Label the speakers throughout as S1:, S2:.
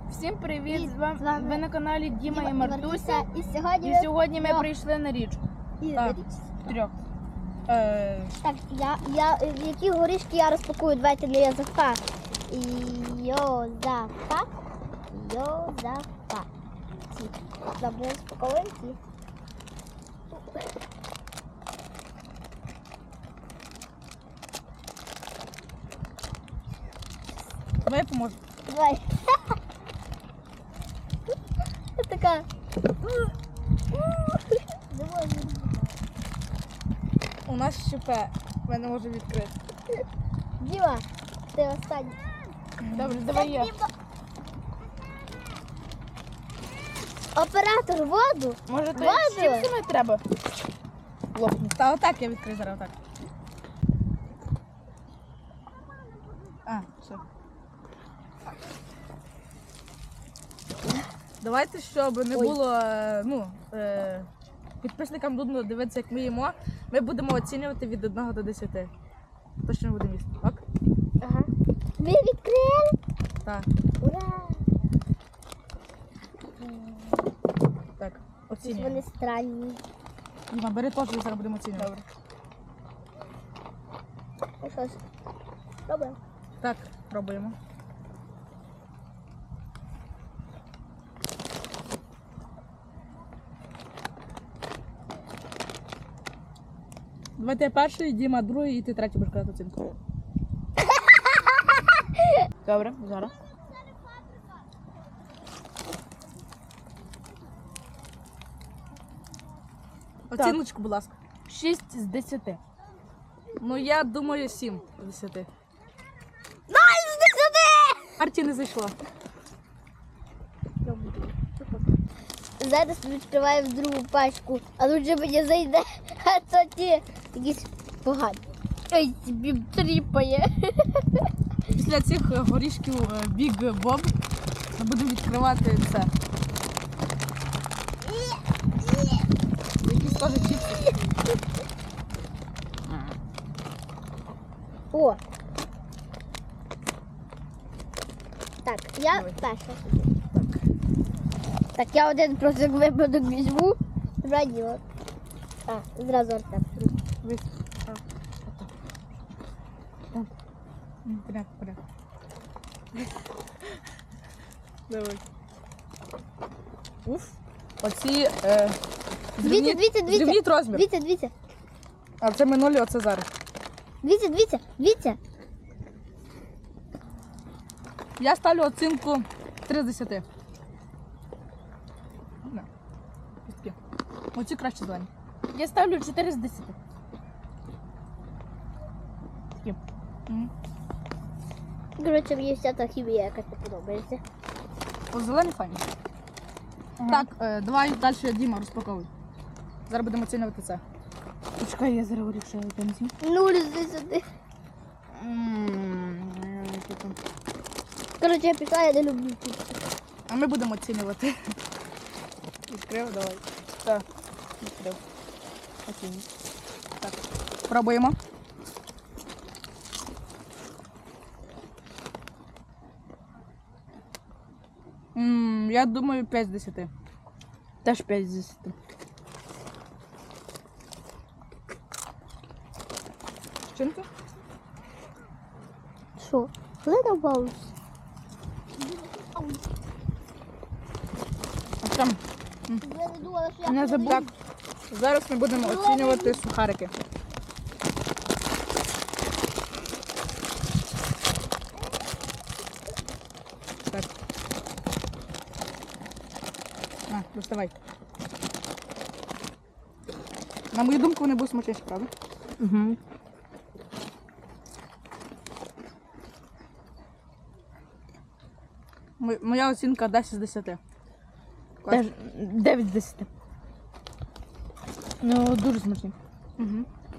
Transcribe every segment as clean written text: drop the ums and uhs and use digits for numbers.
S1: Всім привіт!
S2: З вами
S1: Ви на каналі Діма і Мартуся.
S2: І
S1: сьогодні ми прийшли на річку. Так, трьох.
S2: Так, які горішки я розпакую, давайте на Йозафат. Йозафат. Добре, розпаковуємо ці.
S1: Давай поможу.
S2: Давай. Я така.
S1: У нас щепе. Ми не можемо відкрити.
S2: Діма, ти останній.
S1: Добре, давай я.
S2: Оператор, воду.
S1: Може то
S2: Воду.
S1: з чіпсами треба? Лопнути. Та отак я відкрию зараз, отак. А, все. Давайте, щоб не було, підписникам нудно дивитися, як ми їмо, ми будемо оцінювати від 1 до 10. Точно будемо їсти, так?
S2: Ага. Ви відкрили?
S1: Так.
S2: Ура!
S1: Так,
S2: Вони
S1: оцінюємо.
S2: странні.
S1: Діма, бери теж, зараз будемо оцінювати. Добре.
S2: Ну що ж, пробуємо.
S1: Так, пробуємо. Давайте я перший, Діма другий і ти третій будеш казати оцінку. Добре, зараз. Оціночку, будь ласка. 6 з 10. Ну, я думаю, 7 з 10.
S2: Найс, 10!
S1: Арті не зайшла.
S2: Зараз відкриваємо другу пачку, а тут же мені зайде, а то ті якісь погані. Ой, собі тріпає.
S1: Після цих горішків Big Bob ми будемо відкривати це. Якісь теж чіпси.
S2: О! Так, я
S1: Давай.
S2: перша. Так, я один просто як випадок візьму. Добре діло. А, зразу Артем.
S1: Вис. А, отак. Так. Порядок, порядок. Давай. Уф. Оці зрівніть розмір.
S2: Дивіться.
S1: А це минулі, оце зараз.
S2: Дивіться.
S1: Я ставлю оцінку 3 з 10. Не. Ось такі. Оці краще зелені. Я ставлю 4 з 10. Такі.
S2: Коротше, мені вся та хімія якась не подобається.
S1: О, зелені файні. Так, давай далі Діма розпаковуй. Зараз будемо оцінювати це. Почекай, я зараз вирішую бензин.
S2: 0 з 10. Коротше, я пішла, я не люблю чіпси.
S1: А ми будемо оцінювати. Відкрив, давай. Так, відкрив. Оцінюй. Так, пробуємо. Я думаю, 5 з 10. Теж 5 з 10. Чинка?
S2: Що? Little Bones.
S1: Там.
S2: Я не думала, що
S1: Не забудь. Так, зараз ми будемо оцінювати сухарики. Так. На, доставай. На мою думку, вони будуть смачніші, правда?
S2: Угу.
S1: Моя оцінка 10 з 10.
S3: Теж 9 з 10. Ну, дуже смачний.
S1: Угу.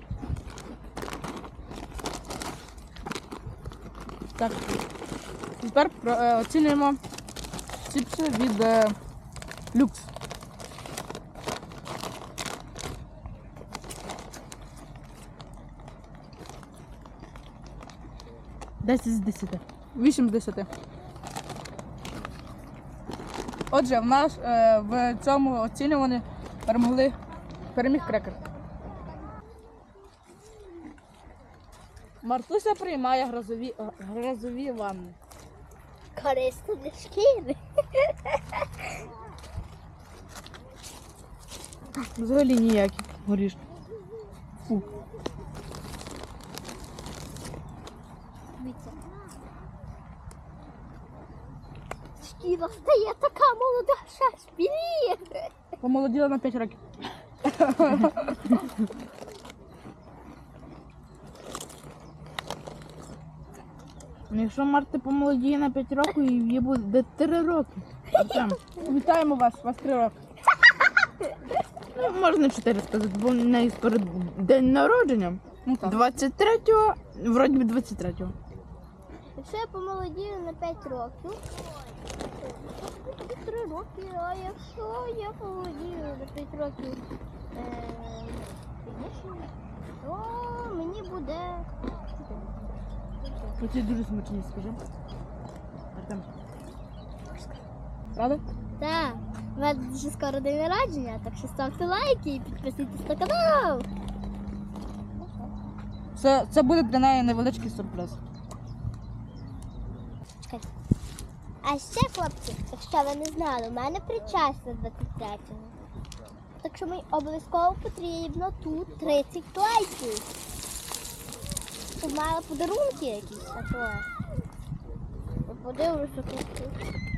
S1: Так. Тепер оцінюємо чіпси від Люкс.
S3: 10 з 10.
S1: 8 з 10. Отже, в нас в цьому оцінюванні переміг крекер. Мартуся приймає грозові ванни.
S2: Корисно для шкіри.
S3: Взагалі ніякі горішки. Фу.
S2: Дивіться. Шкіра стає така молода, що спіліє.
S1: Помолоділа на 5 років.
S3: Якщо Марта помолодіє на 5 років, їй буде 3 роки. Артем,
S1: Вітаємо вас 3 роки.
S3: ну, можна 4 сказати, бо в неї скоро день народження.
S1: Ну так.
S3: 23-го, вроді би 23-го.
S2: Якщо я помолодію на 5 років, 3 роки, а якщо я помолодію на 5 років пізніше, то мені буде 4.
S3: Оці дуже смачні, скажи. Артем.
S1: Правда?
S2: Так, у мене дуже скоро день народження, так що ставте лайки і підписуйтесь на канал.
S1: Це буде для неї невеличкий сюрприз.
S2: Чекайте. А ще, хлопці, якщо ви не знали, у мене причастя 23-го. Так що мені обов'язково потрібно тут 30 лайків. Щоб мали подарунки якісь, а то. Подивлюся, хлопці.